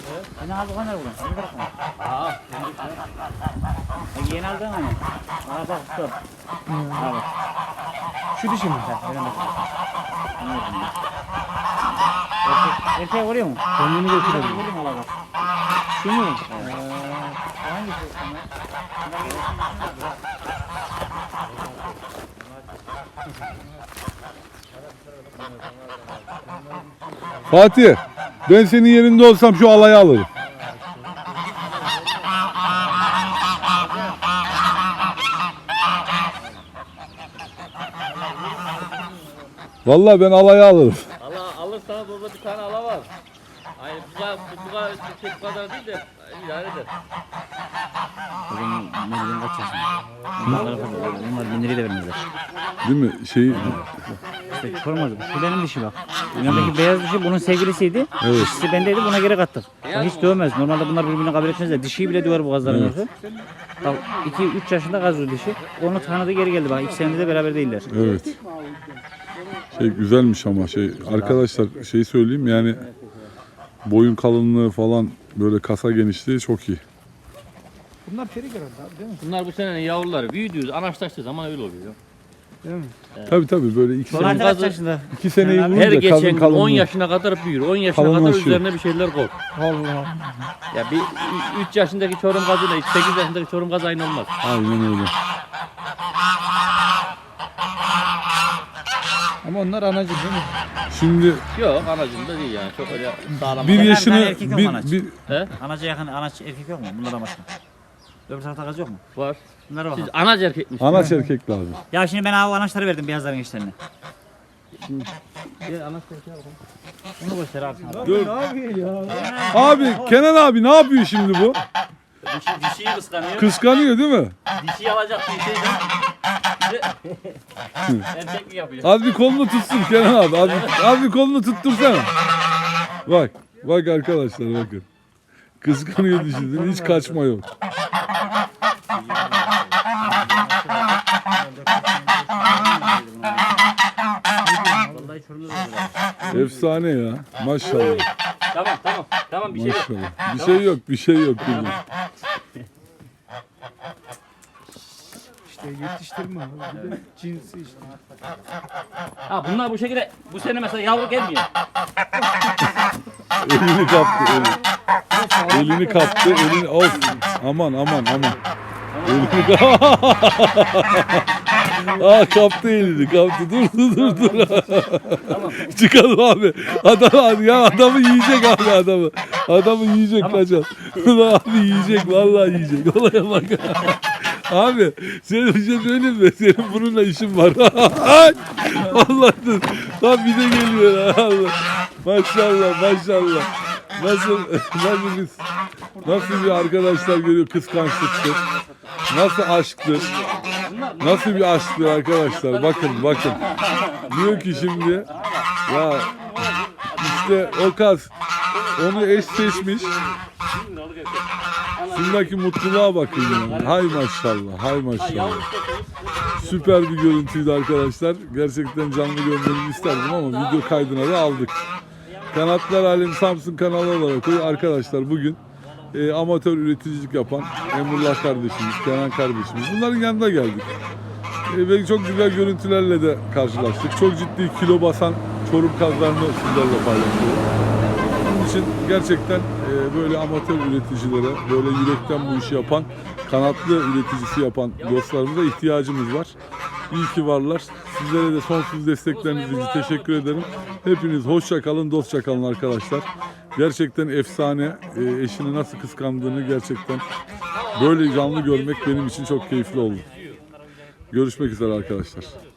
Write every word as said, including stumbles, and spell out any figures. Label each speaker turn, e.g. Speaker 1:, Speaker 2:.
Speaker 1: Hani aldı onlar bunu. Hadi bırakma.
Speaker 2: Aa.
Speaker 1: Yeni aldın hani. Aa bak stop. Aa bak.
Speaker 3: Şu dişi mi?
Speaker 1: Öyle mi? Erkek, erkeğe vuruyor mu?
Speaker 3: Kendini götürelim.
Speaker 1: Vuruyor mu Allah bak?
Speaker 3: Şu mu?
Speaker 1: Hangisi?
Speaker 4: Fatih, ben senin yerinde olsam şu alayı alırım. Vallahi ben alayı alırım.
Speaker 2: Allah alırsanız orada bir tane ala var. Aynı bu kadar, bu kadar, bu kadar değil de idare eder.
Speaker 1: O zaman ne bileyim kaç yaşında? Bunlar, bunlar bin lirayı da vermezler.
Speaker 4: Değil mi? Şey,
Speaker 1: İşte sormadı. Şu benim dişi bak. Yanındaki beyaz dişi bunun sevgilisiydi.
Speaker 4: Evet.
Speaker 1: Dişisi bendeydi, buna geri kattık. Bak hiç dövmez. Normalde bunlar birbirini kabul etmezler. Dişiyi bile döver bu gazların evet. Bak iki üç yaşında gazlı dişi. Onu tanıdı geri geldi bak. İki senedir de beraber değiller.
Speaker 4: evet. Şey güzelmiş ama şey arkadaşlar şey söyleyeyim yani boyun kalınlığı falan böyle kasa genişliği çok iyi.
Speaker 3: Bunlar peri herhalde abi değil mi?
Speaker 2: Bunlar bu senenin yavruları büyüdüğü, anaçlaştığı zaman öyle oluyor.
Speaker 3: Değil mi?
Speaker 4: Tabii tabii böyle iki
Speaker 1: Sonra
Speaker 4: sene,
Speaker 1: kaç yaşında?
Speaker 4: iki seneyi
Speaker 2: Her
Speaker 4: vurunca
Speaker 2: geçen
Speaker 4: kadın
Speaker 2: gün on
Speaker 4: kalınlığı.
Speaker 2: yaşına kadar büyür. on yaşına kadar
Speaker 4: Kalınlaşıyor.
Speaker 2: üzerine bir şeyler koy.
Speaker 3: Allah.
Speaker 2: Ya bir üç yaşındaki Çorum gazıyla sekiz yaşındaki Çorum gazı aynı olmaz.
Speaker 4: Aynen öyle.
Speaker 3: Ama onlar anacı değil mi?
Speaker 4: Şimdi
Speaker 2: Yok anacım da değil yani. Çok öyle sağlam.
Speaker 4: bir
Speaker 1: tane
Speaker 4: yaşını
Speaker 1: erkek yok
Speaker 4: bir,
Speaker 1: anaç.
Speaker 4: bir
Speaker 2: He?
Speaker 1: Anaca yakın anaç erkek yok mu? Bunlardan başka. Öbür tarafta gaz yok mu?
Speaker 2: Var.
Speaker 1: Bunlara
Speaker 2: Siz
Speaker 1: bakalım.
Speaker 2: anaç erkekmiş.
Speaker 4: anaç erkek lazım.
Speaker 1: Ya şimdi ben abi anaçları verdim beyazların gençlerine.
Speaker 2: Bir anaç erkeğe bakalım.
Speaker 1: Bunu göster abi sana.
Speaker 4: Dur.
Speaker 3: Ne yapıyor ya?
Speaker 4: Abi Kenan abi ne yapıyor şimdi bu?
Speaker 1: Dişi, dişiyi kıskanıyor.
Speaker 4: Kıskanıyor değil mi?
Speaker 2: Dişi alacak dişi de. Erkeklik yapıyor.
Speaker 4: Az bir kolunu tutsun Kenan abi. Az, az bir kolunu tuttursana. Bak. Bak arkadaşlar bakın. Kıskanıyor dişini. Hiç kaçma yok.
Speaker 1: Vallahi Çorum'da da böyle.
Speaker 4: Efsane ya. Maşallah.
Speaker 2: Tamam tamam. Tamam bir şey yok.
Speaker 4: Maşallah. Bir şey yok. Bir şey yok. Kızım.
Speaker 3: İşte yetiştirme abi. Bir de cinsi işte.
Speaker 2: Ha bunlar bu şekilde bu sene mesela yavru gelmiyor.
Speaker 4: Elini kaptı. Elini, elini kaptı. Elini. Of. Aman aman aman. Elini kaptı. Aa kaptı elini kaptı. Dur dur dur dur. Çıkalım abi. Adam ya adamı yiyecek abi adamı. Adamı yiyecek kaçar. Abi yiyecek vallahi yiyecek. Olaya bak. Abi senin bir şey söyleyeyim mi? Senin bununla işin var. Allah dur. Tam bir de geliyor. Allah. Maşallah maşallah. Nasıl nasıl biz nasıl bir arkadaşlar görüyor kıskançlıktır. Nasıl aşktır. Nasıl bir aşktır arkadaşlar. Bakın bakın. Diyor ki şimdi ya işte o kaz onu eş seçmiş. Şundaki mutluluğa bakın ya. Hay maşallah, hay maşallah. Süper bir görüntüydü arkadaşlar. Gerçekten canlı görmenizi isterdim ama video kaydına da aldık. Kanatlar Alemi Samsun kanalı olarak arkadaşlar bugün e, amatör üreticilik yapan Emrullah kardeşimiz, Kenan kardeşimiz. Bunların yanına geldik. E, ve çok güzel görüntülerle de karşılaştık. Çok ciddi kilo basan Çorum kazlarını sizlerle paylaşıyoruz. Bunun için gerçekten e, böyle amatör üreticilere, böyle yürekten bu işi yapan, kanatlı üreticisi yapan dostlarımıza ihtiyacımız var. İyi ki varlar. Sizlere de sonsuz destekleriniz için teşekkür ederim. Hepiniz hoşça kalın, dostça kalın arkadaşlar. Gerçekten efsane. E, eşini nasıl kıskandığını gerçekten böyle canlı görmek benim için çok keyifli oldu. Görüşmek üzere arkadaşlar.